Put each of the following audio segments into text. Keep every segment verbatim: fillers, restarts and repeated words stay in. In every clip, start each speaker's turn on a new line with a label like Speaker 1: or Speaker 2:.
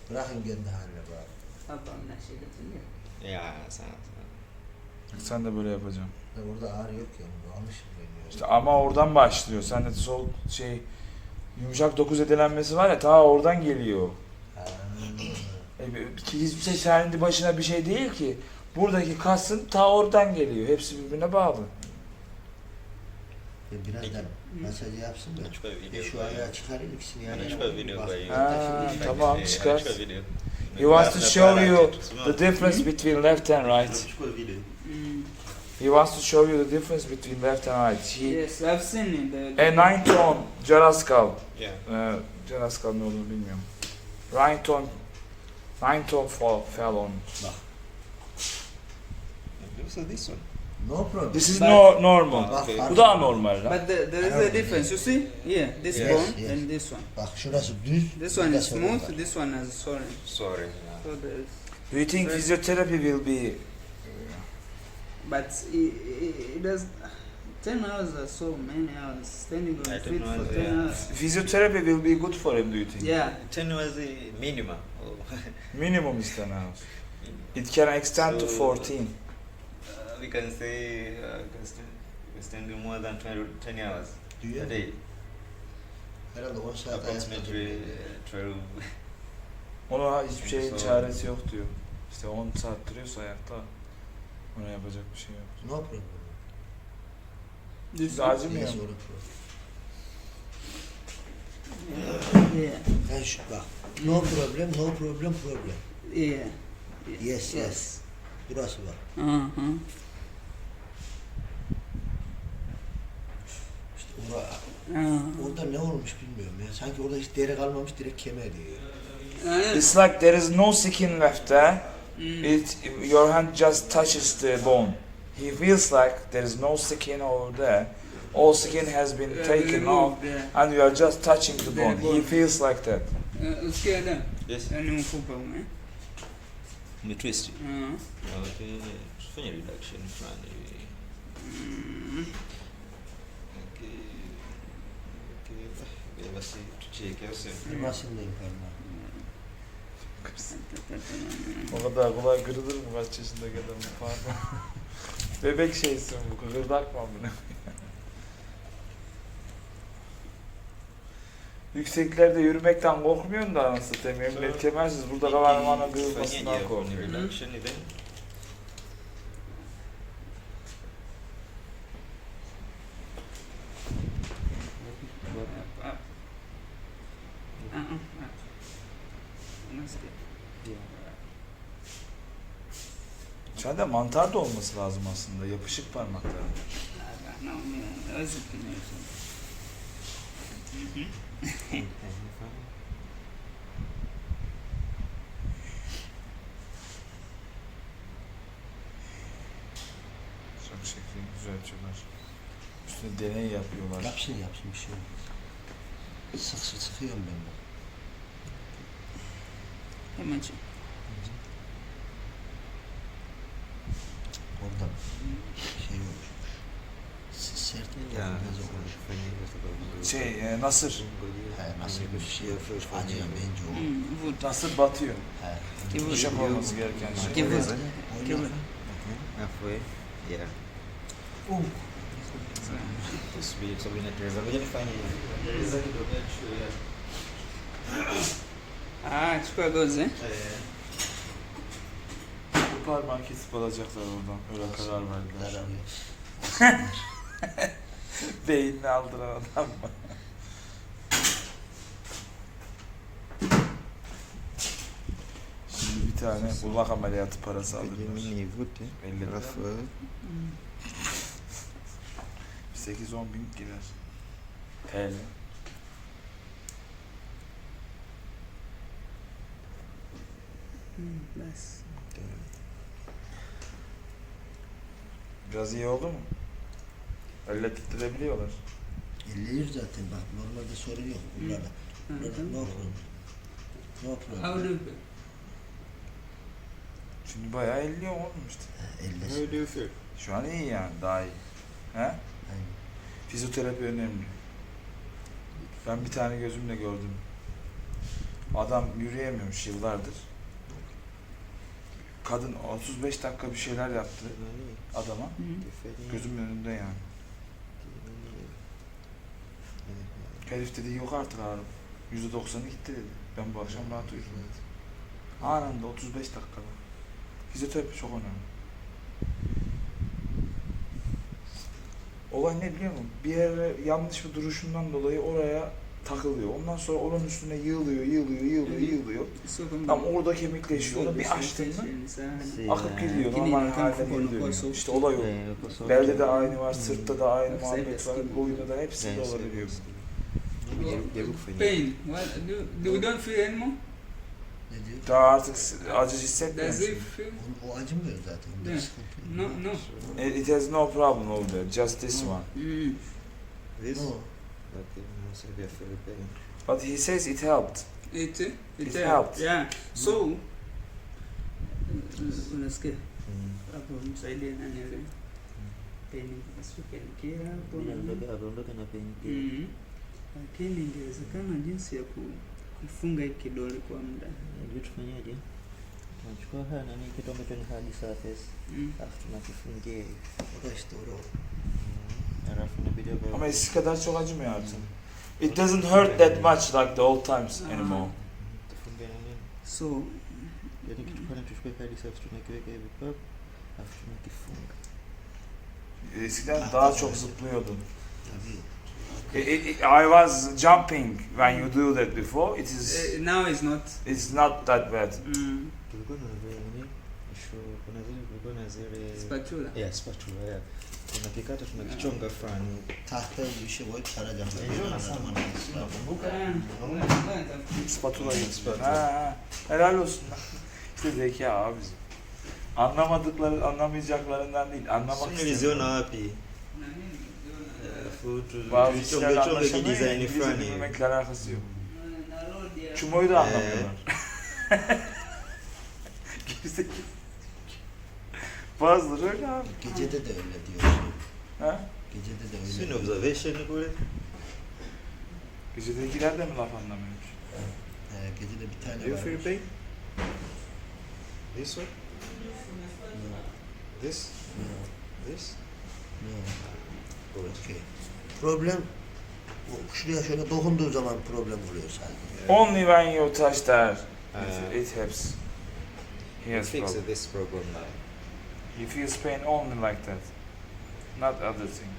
Speaker 1: Bırakın kendi haline bari.
Speaker 2: Ablam neşedetin ya.
Speaker 3: Ya sen sen.
Speaker 4: Sen de böyle yapacaksın.
Speaker 1: Ya orada ağrı yok ya. Bunu almışım ben ya.
Speaker 4: İşte ama oradan başlıyor. Sen de sol şey yumuşak dokuz edelenmesi var ya ta oradan geliyor.
Speaker 1: Ha.
Speaker 4: E, ki hiçbir şey kendi başına bir şey değil ki. Buradaki kasın ta oradan geliyor. Hepsi birbirine bağlı.
Speaker 1: Ya birazdan masajı yapsın da.
Speaker 3: Açık bir
Speaker 1: E
Speaker 3: video
Speaker 1: şu ayağı çıkarayım ikisini yan
Speaker 3: Açık
Speaker 1: yana
Speaker 3: bir video
Speaker 1: bak.
Speaker 3: koyayım.
Speaker 4: Ha,
Speaker 1: Şimdi-
Speaker 4: tamam, çıkar.
Speaker 3: Açık bir video.
Speaker 4: He wants to show you the difference between left and right.
Speaker 3: Açık bir video.
Speaker 2: Mm.
Speaker 4: He wants to show you the difference between left and right. He,
Speaker 2: Yes, I've seen it. The,
Speaker 4: a nine tone Jaraskal.
Speaker 3: Yeah.
Speaker 4: Ee, Jaraskal ne olduğunu bilmiyorum. Nine tone nine tone fall, fell on.
Speaker 3: So this one.
Speaker 1: No problem.
Speaker 4: This is
Speaker 2: But-
Speaker 4: no normal.
Speaker 1: Bak,
Speaker 3: Okay.
Speaker 1: bak.
Speaker 4: Bu da anormal lan.
Speaker 2: But the, there is a difference. You see? Yeah, this
Speaker 1: Yes,
Speaker 2: bone
Speaker 1: yes.
Speaker 2: and this one.
Speaker 1: Bak şurası düz.
Speaker 2: This one is
Speaker 1: burası
Speaker 2: smooth.
Speaker 1: normal.
Speaker 2: This one has sorry.
Speaker 3: Sorry.
Speaker 2: So there is.
Speaker 4: Do you think physiotherapy will be
Speaker 2: But it, it, it does. Ten hours are so many hours. Standing on
Speaker 3: I
Speaker 2: your
Speaker 3: don't
Speaker 2: feet
Speaker 3: know,
Speaker 2: for ten
Speaker 3: yeah.
Speaker 2: hours.
Speaker 4: physiotherapy will be good for him, do you think?
Speaker 2: Yeah.
Speaker 3: Ten was the minimum. Oh.
Speaker 4: Minimum is ten hours. It can extend to
Speaker 3: So-
Speaker 4: fourteen.
Speaker 3: Uh, we can say uh, we can stand, we can stand more than twenty, ten hours
Speaker 1: Diyor.
Speaker 3: a day.
Speaker 1: Herhalde on saat
Speaker 3: Approximately
Speaker 1: ayakta
Speaker 3: uh, twelve.
Speaker 4: Ona hiçbir şeyin
Speaker 3: So-
Speaker 4: çaresi yok diyor. İşte on saat duruyorsa ayakta ona yapacak bir şey yok.
Speaker 1: No problem.
Speaker 2: This
Speaker 4: Siz
Speaker 2: one.
Speaker 4: acımıyor
Speaker 1: Yes,
Speaker 4: mu?
Speaker 1: no problem.
Speaker 2: Yeah.
Speaker 1: Ben şu bak. No problem, no problem, problem.
Speaker 2: Yeah.
Speaker 1: Yes, yes. Burası bak.
Speaker 2: Uh huh.
Speaker 1: İşte ora,
Speaker 2: Uh.
Speaker 1: orada ne olmuş bilmiyorum ya. Sanki orada hiç deri kalmamış, direkt kemer diyor.
Speaker 2: Uh,
Speaker 4: It's like there is no skin left there.
Speaker 2: mm.
Speaker 4: It your hand just touches the bone. He feels like there is no skin over there. All skin has been
Speaker 2: Uh,
Speaker 4: taken
Speaker 2: removed,
Speaker 4: off
Speaker 2: yeah.
Speaker 4: and you are just touching the
Speaker 2: The
Speaker 4: bone. He
Speaker 2: bone.
Speaker 4: feels like that.
Speaker 2: Uh, Usikia da?
Speaker 3: Yes.
Speaker 2: Yaani mfupa ume.
Speaker 3: Me twist.
Speaker 2: Uh.
Speaker 3: Okay. Tufanye reduction fulani.
Speaker 2: Mm.
Speaker 3: Okay. Okay. Basi tucheke au sio?
Speaker 1: Kırmasındayım parmağı.
Speaker 4: O kadar kolay kırılır mı kaç yaşındaki adamın pardon. Bebek şeysin bu, kıkırdakma bunu. Yükseklerde yürümekten korkmuyorsun da anasını satayım. Emniyet kemersiz burada kavarmana kırılmasından
Speaker 3: Fanyaje
Speaker 4: korkuyorum.
Speaker 3: reduction then.
Speaker 2: Up, up. Uh-uh. up. Unasikia?
Speaker 4: Sende mantar da olması lazım aslında, yapışık parmakların.
Speaker 2: Ah, naumia. Hawezi kunyesha.
Speaker 4: Çok şekli düzeltiyorlar. Üstüne deney yapıyorlar.
Speaker 1: Yapsın yapsın bir şey yok. Sık sık sıkıyorum ben bak.
Speaker 2: Hemen çık.
Speaker 1: Orada şey olmuş. S- Sert mi?
Speaker 3: Ya.
Speaker 1: Biraz olmuş.
Speaker 4: Şey, e, nasır.
Speaker 1: He, nasıl bir şey acıyor bence o.
Speaker 2: Mm, vuta.
Speaker 4: Nasır batıyor.
Speaker 1: He.
Speaker 2: Kivuta.
Speaker 4: Yumuşak olması gereken şey.
Speaker 2: Kivuta.
Speaker 1: Oynar.
Speaker 3: Halfway. Yeah.
Speaker 1: Um.
Speaker 3: Tusubiri sababu inateleza. Ngoja nifanye hivi. Hizo kidogo ya.
Speaker 2: Ah, chukua gozi eh?
Speaker 4: Bu parmağı kesip alacaklar oradan. Öyle karar verdiler.
Speaker 1: Zararıyor.
Speaker 4: Beynini aldıran adam mı? Şimdi bir tane kulak ameliyatı parası alırlar.
Speaker 3: Mimi nivute.
Speaker 4: elli
Speaker 3: Alafu
Speaker 4: sekiz on bin girer. T L.
Speaker 2: Mm, basi.
Speaker 4: Biraz iyi oldu mu? Elle titrebiliyorlar.
Speaker 1: elliyor zaten bak normalde sorun yok bunlarda. Bunlarda no problem. No problem.
Speaker 2: How do you feel?
Speaker 4: Şimdi bayağı elliyor oğlum işte.
Speaker 1: He, ellesin.
Speaker 3: How do you feel?
Speaker 4: Şu an iyi yani, daha iyi. He?
Speaker 1: Aynen.
Speaker 4: Fizyoterapi önemli. Ben bir tane gözümle gördüm. Adam yürüyemiyormuş yıllardır. Kadın otuz beş dakika bir şeyler yaptı adama. Gözümün önünde yani. Herif dedi yok artık ağrım. yüzde doksanı gitti dedi. Ben bu akşam rahat uyudum dedi. Anında otuz beş dakikada. Fizyoterapi çok önemli. Olay ne biliyor musun? Bir yere yanlış bir duruşundan dolayı oraya takılıyor. Ondan sonra onun üstüne yığılıyor, yığılıyor, yığılıyor, yığılıyor. Tam orada kemikleşiyor. Onu bir açtın mı akıp gidiyor. Normal haline geliyor. İşte olay o. Belde de aynı var, sırtta da aynı muhabbet var, boyunda da hepsinde olabiliyor.
Speaker 2: Pain. What? Do, do we don't feel anymore?
Speaker 1: Ne diyor?
Speaker 4: Daha artık acı
Speaker 2: Does
Speaker 4: hissetmiyorsun.
Speaker 2: it feel?
Speaker 1: O, o acımıyor zaten. Bunda
Speaker 2: Yeah.
Speaker 1: sıkıntı yok.
Speaker 2: No, no.
Speaker 4: It, it has no problem over there, just this one.
Speaker 2: Mm.
Speaker 3: This?
Speaker 1: No.
Speaker 3: Okay, no severe feel pain.
Speaker 4: But he says it helped.
Speaker 2: It, it,
Speaker 4: It
Speaker 2: helped.
Speaker 4: helped.
Speaker 2: Yeah. So, unasikia
Speaker 3: Mm.
Speaker 2: hapo msaidie nani yule pain kisuke hapo na
Speaker 3: Aondoke na pain.
Speaker 2: mm. Lakini ingewezekana jinsi ya ku- kufunga hii kidole kwa muda.
Speaker 5: Ndio tufanyaje? Tunachukua haya nani kitu ambacho ni hard surface,
Speaker 2: Mm.
Speaker 5: alafu tunakifungia hivi.
Speaker 1: O da işte o.
Speaker 5: Alafu inabidi hapa.
Speaker 4: Ama eskisi kadar çok acımıyor artık. It doesn't hurt that much like the old times anymore.
Speaker 5: Tufungia nani?
Speaker 2: So,
Speaker 5: Yaani kitu pale tuchukue hard surface tunakiweka hivi pap, alafu tunakifunga.
Speaker 4: Eskiden daha çok zıplıyordun.
Speaker 1: Tabii.
Speaker 4: It, it, it, I was jumping when you do that before. It is
Speaker 2: uh, now it's not.
Speaker 4: it's not that bad.
Speaker 2: Mm.
Speaker 5: Tulikuwa na vile nini? Sure, kuna zile tulikuwa na zile
Speaker 2: Spatula.
Speaker 5: yeah, spatula yeah. Tunakikata tunakichonga fulani.
Speaker 1: Tahtaya bir şey koyup saracağım.
Speaker 5: Enjoy nasıl?
Speaker 4: Spatula gibi. Ha, ha. Helal olsun lan. İşte zeka abi bizim. Anlamadıkları, anlamayacaklarından değil. Anlamak
Speaker 5: Sio
Speaker 4: istiyorum.
Speaker 5: niliziona wapi? Alafu tu
Speaker 4: Bazı kişiler
Speaker 5: tuchonge chonge
Speaker 4: anlaşamıyor ya,
Speaker 5: kidesign
Speaker 4: İngilizce
Speaker 5: fulani.
Speaker 4: bilmekle alakası yok. Çumoyu da anlamıyorlar. Gerizekalı. Bazıları öyle abi.
Speaker 1: Gecede de öyle diyor.
Speaker 4: Ha?
Speaker 1: Gecede de öyle.
Speaker 5: Sio ni
Speaker 1: diyor.
Speaker 5: observation kule.
Speaker 4: Gecedekiler de mi laf anlamıyormuş?
Speaker 1: He, gecede bir tane
Speaker 5: Do you
Speaker 1: var.
Speaker 5: feel pain? This one? This? This? Good.
Speaker 1: Okay. Problem o şuraya şöyle dokunduğu zaman problem oluyor sadece.
Speaker 4: Only when you touch that,
Speaker 5: Uh,
Speaker 4: it, it helps. He has
Speaker 5: fix
Speaker 4: problem.
Speaker 5: this problem now.
Speaker 4: He feels pain only like that, not other thing.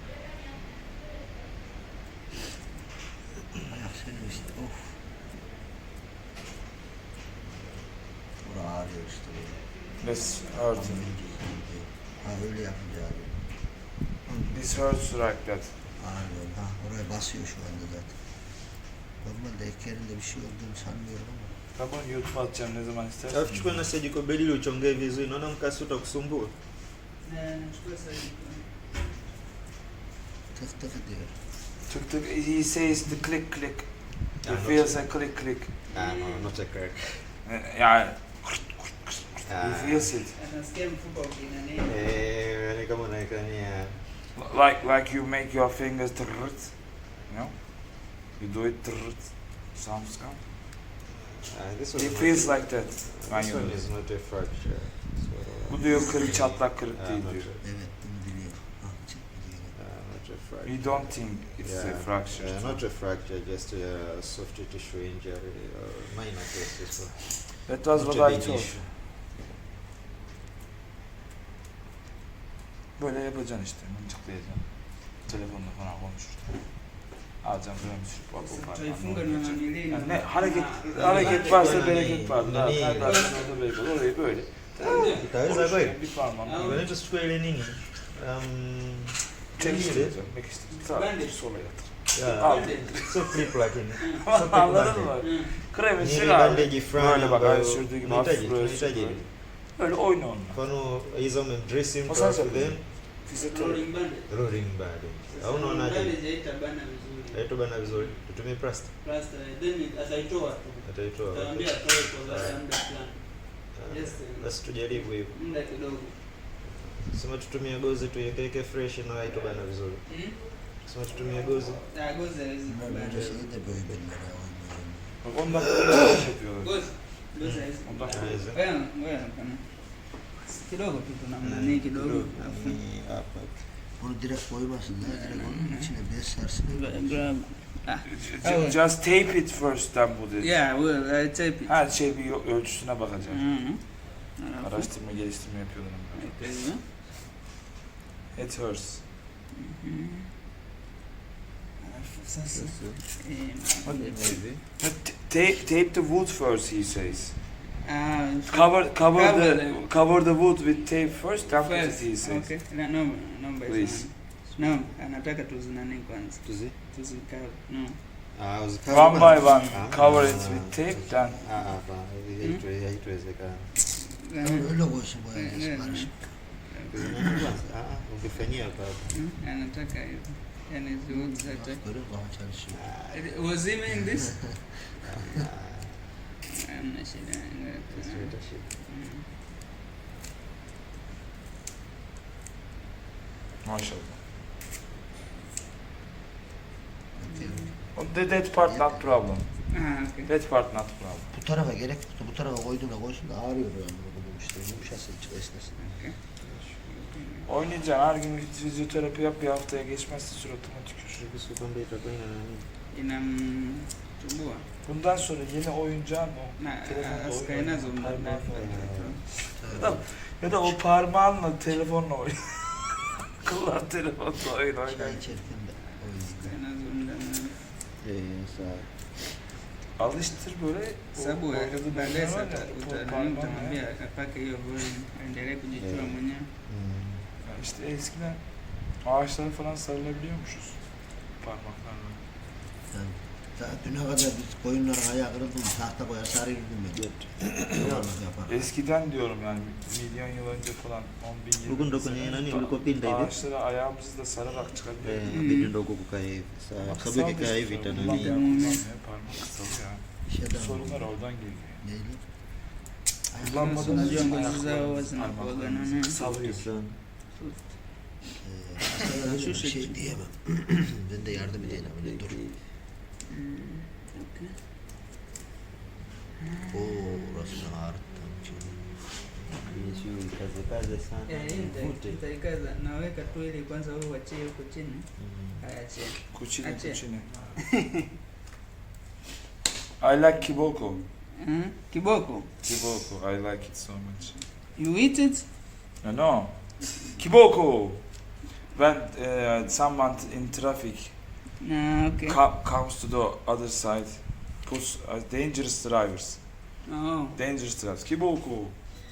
Speaker 1: Ayak senin işte. Of. Bura ağrıyor işte böyle.
Speaker 4: This hurts.
Speaker 1: Ha öyle yapınca ağrıyor.
Speaker 4: This hurts like that.
Speaker 1: Ağrıyor. Ha oraya basıyor şu anda zaten. Normalde ek yerinde bir şey olduğunu sanmıyorum ama.
Speaker 4: Tamam, YouTube atacağım ne zaman istersen.
Speaker 5: Alafu chukua na surgical bed ile uchongee vizuri. Naona mkasi utakusumbua.
Speaker 1: Tık tık diyor.
Speaker 4: Tık tık, he says the click click. He
Speaker 5: Ah,
Speaker 4: feels a click click.
Speaker 5: Ah, no, not a crack.
Speaker 4: Yani he
Speaker 5: Ah.
Speaker 4: feels it.
Speaker 2: Anasikia mfupa ukinani.
Speaker 5: Eh, ni kama unaekania.
Speaker 4: Like like you make your fingers trrrt, you know? You do it trrrt. Sounds come.
Speaker 5: Ah, this
Speaker 4: He
Speaker 5: one.
Speaker 4: feels like that when
Speaker 5: This
Speaker 4: you do
Speaker 5: one
Speaker 4: it.
Speaker 5: is not a fracture. So,
Speaker 4: Bu diyor kırık çatlak kırık
Speaker 5: ah,
Speaker 4: değil
Speaker 5: not
Speaker 4: diyor.
Speaker 5: a-
Speaker 1: Evet bunu biliyor. Ah çık biliyor.
Speaker 5: ah, not a fracture.
Speaker 4: You don't think it's a
Speaker 5: Yeah.
Speaker 4: fracture.
Speaker 5: Yeah, not a fracture, just a soft tissue injury, or minor cases. So
Speaker 4: That was
Speaker 5: not
Speaker 4: what
Speaker 5: a
Speaker 4: I
Speaker 5: big
Speaker 4: told.
Speaker 5: issue.
Speaker 4: Böyle yapacaksın işte, mıncıklayacaksın. Telefonla falan konuşurken. Alacaksın böyle bir sürü bak o
Speaker 2: Tutaifunga
Speaker 4: parmağını
Speaker 2: na
Speaker 4: oynayacaksın.
Speaker 2: nanili.
Speaker 4: Yani ne hareket
Speaker 2: Ah,
Speaker 4: hareket varsa
Speaker 5: Nani-
Speaker 4: bereket var. Daha
Speaker 5: nani-
Speaker 4: kalp arasında bereket var. Orayı böyle.
Speaker 5: Itaweza
Speaker 4: Konuşurken
Speaker 5: kweli?
Speaker 4: bir parmağını
Speaker 2: Ah,
Speaker 5: Unaweza tuchukue ile nini? Um,
Speaker 4: çekiştireceksin. Mekiştireceksin. Sağ
Speaker 2: Bandage.
Speaker 4: sola yatır.
Speaker 5: yeah.
Speaker 4: Al.
Speaker 5: So clip lakini. So
Speaker 4: Anladın mı?
Speaker 2: Mm.
Speaker 4: Kremi
Speaker 5: Ni
Speaker 4: sür
Speaker 5: ile
Speaker 4: abi.
Speaker 5: bandage fulani
Speaker 4: Böyle bak
Speaker 5: ambayo
Speaker 4: aynı sürdüğü gibi
Speaker 5: tunahitaji,
Speaker 4: hafif böyle sür
Speaker 5: tunahitaji.
Speaker 4: böyle. Öyle oyna onunla.
Speaker 5: Mfano hizo umemdressing
Speaker 4: O
Speaker 5: mtu
Speaker 4: sasa
Speaker 5: alafu
Speaker 4: yapıyor.
Speaker 5: then
Speaker 4: Fizyoterapi.
Speaker 2: Rolling bandage.
Speaker 5: rolling bandage. Au
Speaker 2: Rolling
Speaker 5: unaonaje?
Speaker 2: bandage haitabana vizuri.
Speaker 5: Haitobana vizuri. Tutumie plaster.
Speaker 2: Plaster, then it- ataitoa tu.
Speaker 5: Ataitoa.
Speaker 2: Ataambia atoe kwa baada ya muda fulani.
Speaker 5: Ah,
Speaker 2: Yes,
Speaker 5: basi tujaribu hivyo.
Speaker 2: Muda kidogo.
Speaker 5: Sema tutumie gozi tuiwekeke fresh na haitobana vizuri.
Speaker 2: Mm?
Speaker 5: Sema tutumie gozi.
Speaker 2: Ah, gozi haiwezi
Speaker 1: Ben
Speaker 2: kubana.
Speaker 1: önce şeyi de böyle benimle oynuyorum.
Speaker 4: Bak on dakika bir şey yapıyorlar.
Speaker 2: Goes. Goes hizi.
Speaker 4: on dakika.
Speaker 2: Wewe wewe kana. Kidogo tu kuna nani kidogo. Afu.
Speaker 5: Ni hapa.
Speaker 1: Bunu direkt koymasınlar. Direkt onun içine bez sarsın.
Speaker 2: Grab. Ah.
Speaker 4: Ju- Just tape it first then bu dedi.
Speaker 2: Yeah, well, I tape it.
Speaker 4: Her şey bir yo- ölçüsüne bakacağım.
Speaker 2: Mhm. Alafu.
Speaker 4: Araştırma geliştirme yapıyorlar.
Speaker 2: Okay, yeah.
Speaker 4: It hurts.
Speaker 2: Mhm. Alafu sasa. Eh,
Speaker 5: Hivi.
Speaker 4: T- Tape, tape the wood first, he says.
Speaker 2: ah,
Speaker 4: Cover, cover,
Speaker 2: Cover
Speaker 4: the,
Speaker 2: the-
Speaker 4: cover the wood with tape first, then put it,
Speaker 2: first.
Speaker 4: he says.
Speaker 2: Okay. No, no, no,
Speaker 4: Please.
Speaker 2: no, anataka tuzinane kwanza.
Speaker 5: Tuzi.
Speaker 2: Tuzikave. No.
Speaker 5: Ah, uzika.
Speaker 4: One by one,
Speaker 5: Ah.
Speaker 4: cover it with tape, then
Speaker 5: Ah, hapa. Hivi haitwe- haitowezekana.
Speaker 1: Öyle koysun boyayacağız. Barış.
Speaker 5: Ah, ungefanyia hapa.
Speaker 2: Hmm, anataka hivyo. Yani zote zote.
Speaker 1: Görüyor musun? Kafa çalışıyor.
Speaker 2: Was he in this? Hamna shida.
Speaker 5: Tusileta shida.
Speaker 2: Mm.
Speaker 4: maşallah. The that part not problem.
Speaker 2: Ah, okay.
Speaker 4: That part not problem.
Speaker 1: Bu tarafa gerek yoktu. Bu tarafa koyduğuna koysun da ağrıyor yani bunu işte. Yumuşasın, esnesin.
Speaker 2: Okay.
Speaker 4: Oynayacaksın, her gün fizyoterapi yap, bir haftaya geçmezse suratıma tükür.
Speaker 5: Kuhusu kwamba itakuwa ina nani?
Speaker 2: Inamsumbua.
Speaker 4: Bundan sonra yeni oyuncağın o.
Speaker 2: Na
Speaker 4: Telefonda
Speaker 2: asikae
Speaker 4: oyun
Speaker 2: nazo
Speaker 4: oynuyor,
Speaker 2: muda
Speaker 4: parmağınla
Speaker 2: mrefu.
Speaker 4: Ya da, ya da o parmağınla telefonla oyun. Kullan telefonla oyun
Speaker 1: Çay
Speaker 4: oynar.
Speaker 1: içerken de oyun.
Speaker 2: Asikae nazo muda mrefu.
Speaker 5: Eh, sawa.
Speaker 4: Alıştır böyle. o
Speaker 2: Sababu
Speaker 4: oynadığı
Speaker 2: baadaye
Speaker 4: oyunlar var
Speaker 2: sasa
Speaker 4: ya, o
Speaker 2: uta-
Speaker 4: parmağınla
Speaker 2: utamwambia
Speaker 4: ya.
Speaker 2: apake hiyo volume aendelee kujichua
Speaker 5: Yeah.
Speaker 2: mwenyewe.
Speaker 5: Mm.
Speaker 4: Ya İşte eskiden ağaçlara falan sarılabiliyormuşuz parmaklarla.
Speaker 1: Yani daha düne kadar biz koyunların ayağı kırıldı mı tahta koyar sarıyordum ben. Yuvarlak yapar.
Speaker 4: Eskiden diyorum yani milyon yıl önce falan on bin yıl
Speaker 5: Huku ndo kwenye nani ulikopinda hivi?
Speaker 4: ağaçlara ayağımızı da sararak çıkabiliyoruz.
Speaker 5: Eh,
Speaker 2: Mm.
Speaker 5: inabidi ndo huku kukaa hivi. Sawa.
Speaker 4: Ama
Speaker 5: Kwa sababu
Speaker 4: kısaldı
Speaker 5: ikikaa
Speaker 4: işte
Speaker 5: hivi
Speaker 4: sonra.
Speaker 5: itanani.
Speaker 4: Kullanmıyor, kullanmıyor, parmak kısalıyor.
Speaker 1: Şeyden
Speaker 4: Sorunlar oradan geliyor.
Speaker 1: Neydi?
Speaker 4: Kullanmadığımız
Speaker 2: Unajua
Speaker 4: için
Speaker 2: ngozi zao
Speaker 4: ayaklarımız,
Speaker 2: zinakuwaga
Speaker 4: parmaklarımız
Speaker 2: nani?
Speaker 4: kısalıyor.
Speaker 5: Sana.
Speaker 1: Ee, hastalara bir şey diyemem. Ben de yardım edeyim. Öyle dur.
Speaker 2: Mm, okay.
Speaker 1: Oo, orasını ağrıttım.
Speaker 5: Sio ikaze kaze sana.
Speaker 2: Eh, hii nita-
Speaker 5: Ivute.
Speaker 2: nitaikaza. Naweka tu ili kwanza wewe uachie huko chini.
Speaker 5: Mm.
Speaker 2: Ayaachie.
Speaker 4: Kuchini
Speaker 2: Ache.
Speaker 4: kuchini. I like kiboko.
Speaker 2: Hmm? Kiboko.
Speaker 4: Kiboko, I like it so much.
Speaker 2: You eat it?
Speaker 4: No, no. Kiboko! When uh, someone in traffic
Speaker 2: Ah, okay.
Speaker 4: co- comes to the other side, puts uh, dangerous drivers.
Speaker 2: Oh.
Speaker 4: Dangerous drivers. Kiboko!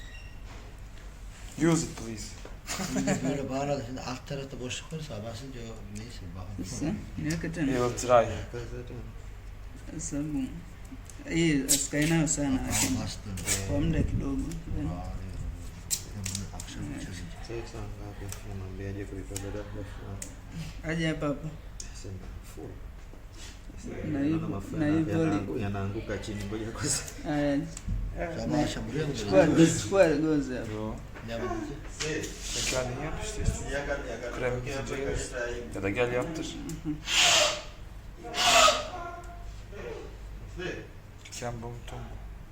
Speaker 4: Use it please.
Speaker 1: Şimdi böyle bağladı. Şimdi alt tarafta boşluk varsa basınca o neyse
Speaker 2: Sasa
Speaker 1: bakalım.
Speaker 2: niweke
Speaker 4: He
Speaker 2: tena
Speaker 4: will try.
Speaker 5: Kaza tena.
Speaker 2: sababu hii asikae nayo sana, lakini
Speaker 1: Aa, bastım.
Speaker 2: kwa muda kidogo.
Speaker 1: Ağrıyor. Ben bunu akşam çözeceğim.
Speaker 5: Sasa saa ngapi? Namwambiaje kulipa dada fulani?
Speaker 2: Aje hapa hapa.
Speaker 5: Sema full.
Speaker 2: Na
Speaker 5: Naona
Speaker 2: hivyo-
Speaker 5: mafuta
Speaker 2: na
Speaker 5: yana-
Speaker 2: hivyo li-
Speaker 5: yanaangu- yanaanguka chini, ngoja kwanza.
Speaker 2: Aya,
Speaker 1: Sabah akşam buraya mı
Speaker 2: chukua
Speaker 1: geliyorsun?
Speaker 2: chukua gozi hapo.
Speaker 4: Yo.
Speaker 1: Ne yapacağız?
Speaker 4: Sen kendin yap işte.
Speaker 5: Yaka- yaka-
Speaker 4: Krem
Speaker 5: tokea
Speaker 4: bitince
Speaker 5: mpaka
Speaker 4: gelirsin.
Speaker 5: Israeli.
Speaker 4: Ya da gel yaptır. Kembo tombo.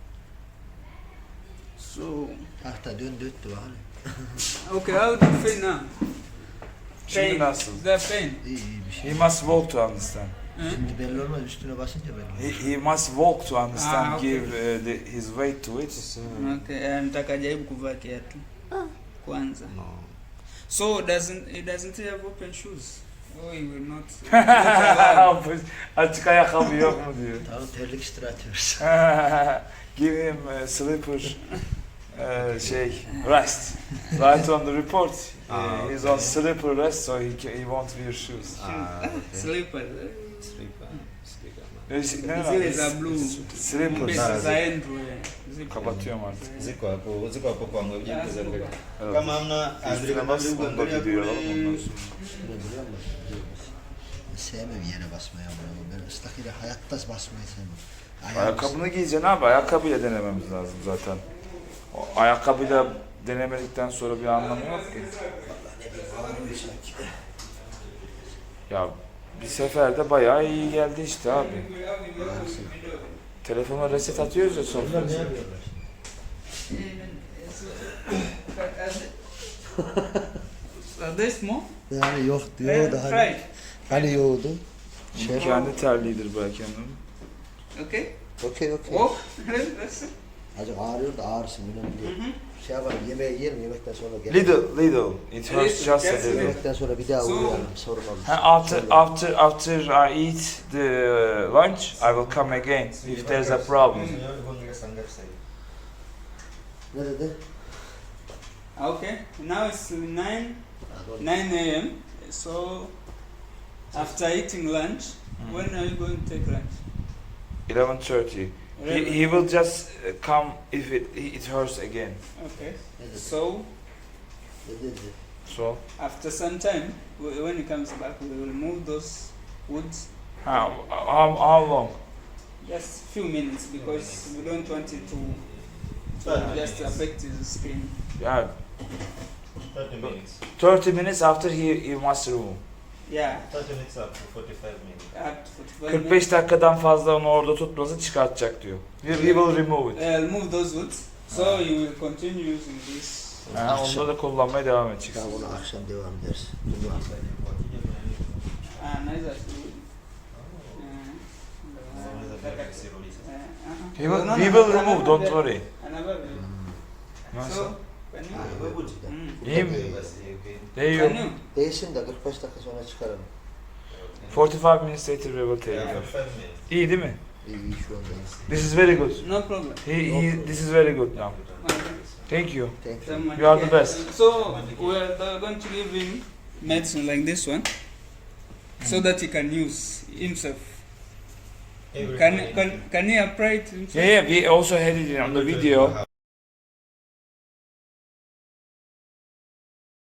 Speaker 2: So,
Speaker 1: Tahta dön döttü bakalım.
Speaker 2: okay, how do you feel now?
Speaker 4: Şimdi
Speaker 2: Pain.
Speaker 4: nasıl?
Speaker 2: Is there pain?
Speaker 1: İyi iyi bir şey.
Speaker 4: He must walk to understand.
Speaker 2: Huh?
Speaker 1: Şimdi belli olmaz üstüne basınca belli
Speaker 4: He,
Speaker 1: olur.
Speaker 4: he must walk to understand,
Speaker 2: Ah, okay.
Speaker 4: give uh, the, his weight to it.
Speaker 5: Sasa,
Speaker 2: Okay, eh, nataka jaribu kuvaa kiatu kwanza.
Speaker 5: no.
Speaker 2: So doesn't it doesn't have open shoes? Oh, you will not. not allow.
Speaker 4: Açık ayakkabı yok mu diyor.
Speaker 1: Tamam terlik istir atıyoruz.
Speaker 4: Give him uh, slipper, uh, şey, rest. Right on the report. Uh,
Speaker 5: Ah,
Speaker 4: he's
Speaker 5: okay.
Speaker 4: on slipper rest, so he, ca- he won't wear shoes.
Speaker 5: Ah, okay.
Speaker 2: Slippers.
Speaker 5: Slipper. Slipper.
Speaker 4: Ne, ne
Speaker 2: Zile
Speaker 4: lan?
Speaker 2: za blue.
Speaker 4: Slippers.
Speaker 2: Mbesi
Speaker 5: Ah,
Speaker 2: za Andrew. eh. Zipo.
Speaker 4: Kapatıyorum artık.
Speaker 5: Ziko hapo, ziko hapo kwangu, hebu
Speaker 2: Ah,
Speaker 5: jikuza mbele.
Speaker 4: Evet.
Speaker 5: Kama hamna
Speaker 4: Üstüne
Speaker 5: Andrea
Speaker 4: bas,
Speaker 5: Madrid
Speaker 4: onu da
Speaker 5: kuangalia
Speaker 4: gidiyor
Speaker 5: kule.
Speaker 4: alalım ondan sonra.
Speaker 1: Ne biliyor musun? Ben sevmem yere basmaya bunu. Ben ıslak yere hayatta basmayı sevmem. Ayağım-
Speaker 4: Ayakkabını giyeceksin abi, ayakkabıyla denememiz lazım zaten. O ayakkabıyla denemedikten sonra bir anlamı yok ki. Ya bir seferde bayağı iyi geldi işte abi. Telefona reset atıyoruz ya sonra.
Speaker 1: Onlar ne yapıyorlar?
Speaker 2: Are they small?
Speaker 1: Yani yok
Speaker 2: Eh,
Speaker 1: diyor da hani,
Speaker 2: Fried.
Speaker 1: hani yoğurdu. Şef.
Speaker 4: Kendi terliğidir belki hanım.
Speaker 2: Okay.
Speaker 1: Okey okey.
Speaker 2: Oh, that's it.
Speaker 1: Acık ağrıyor da ağrısın önemli değil. Şey yapalım yemeği yiyelim yemekten sonra gel.
Speaker 4: Little, little. It hurts just a
Speaker 2: Yes,
Speaker 4: little.
Speaker 1: Yemekten sonra bir daha
Speaker 2: So-
Speaker 1: uğrayalım sorun olmaz.
Speaker 4: Ha, after, after, after I eat the lunch, I will come again if there's a problem.
Speaker 1: Ne dedi?
Speaker 2: Okay. Now it's nine nine a m. So after eating lunch, when are you going to take lunch?
Speaker 4: eleven thirty. He, he will just uh, come if it, it hurts again.
Speaker 2: Okay.
Speaker 1: Ne dedi?
Speaker 2: So
Speaker 1: Ne dedi?
Speaker 4: So,
Speaker 2: after some time, wh- when he comes back, we will move those woods
Speaker 4: how, how, how long?
Speaker 2: just few minutes because we don't want it to, to just affect his skin.
Speaker 4: Yeah,
Speaker 3: thirty minutes.
Speaker 4: thirty minutes after he, he must remove.
Speaker 2: Yeah.
Speaker 3: thirty minutes up to forty-five minutes.
Speaker 2: Up to forty-five
Speaker 4: kırk beş
Speaker 2: minutes.
Speaker 4: dakikadan fazla onu orada tutmasın, çıkartacak diyor. We, we will remove it.
Speaker 2: I'll move those woods. So you will continue using this.
Speaker 4: Ha, onda da kullanmaya devam edeceksin.
Speaker 1: Tamam bunu akşam devam ederiz. Dur bakalım.
Speaker 2: Ah, nice actually.
Speaker 4: He will, we will remove, don't worry.
Speaker 2: Another.
Speaker 4: Nasıl?
Speaker 2: So, can you? Mm.
Speaker 4: İyi mi? There
Speaker 2: Can
Speaker 4: you.
Speaker 2: you?
Speaker 1: Değilsin de kırk beş dakika sonra çıkaralım.
Speaker 4: forty-five minutes later we will take it off. İyi değil mi?
Speaker 1: İyi iyi şu anda iyi.
Speaker 4: This is very good.
Speaker 2: No problem.
Speaker 4: He, he, this is very good now.
Speaker 2: Okay.
Speaker 4: Thank you.
Speaker 1: Thank you.
Speaker 2: Someone-
Speaker 4: You are the
Speaker 2: yeah.
Speaker 4: best.
Speaker 2: So we are uh, going to give him medicine like this one, so that he can use himself. Can can can he apply it himself?
Speaker 4: Yeah, yeah, we also had it on the video.